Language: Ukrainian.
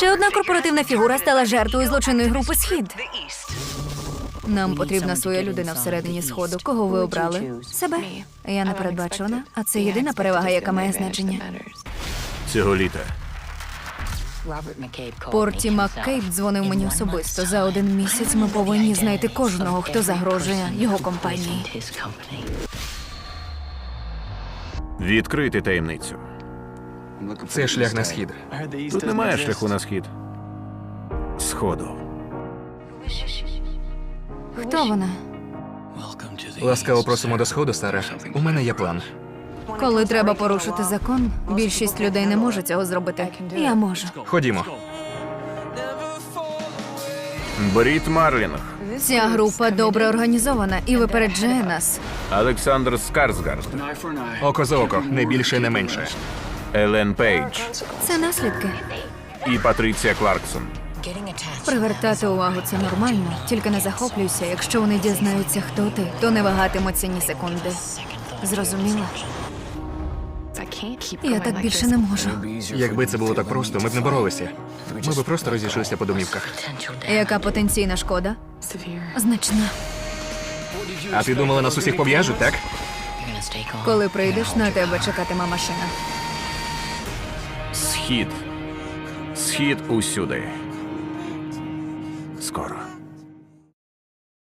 Ще одна корпоративна фігура стала жертвою злочинної групи «Схід». Нам потрібна своя людина всередині Сходу. Кого ви обрали? Себе. Я непередбачувана, а це єдина перевага, яка має значення. Цього літа. Порті Маккейб дзвонив мені особисто. За 1 місяць ми повинні знайти кожного, хто загрожує його компанії. Відкрити таємницю. Це шлях на схід. Тут немає шляху на схід. Сходу. Хто вона? Ласкаво просимо до сходу, Сара. У мене є план. Коли треба порушити закон, більшість людей не може цього зробити. Я можу. Ходімо. Брід Марлінг. Ця група добре організована і випереджає нас. Олександр Скарсгард. Око за око, не більше, не менше. Елен Пейдж. Це наслідки. І Патріція Кларксон. Привертати увагу – це нормально. Тільки не захоплюйся. Якщо вони дізнаються, хто ти, то не вагатимуться ні секунди. Зрозуміла? Я так більше не можу. Якби це було так просто, ми б не боролися. Ми б просто розійшлися по домівках. Яка потенційна шкода? Значна. А ти думала, нас усіх пов'яжуть, так? Коли прийдеш, на тебе чекатиме машина. Схід. Схід усюди. Скоро.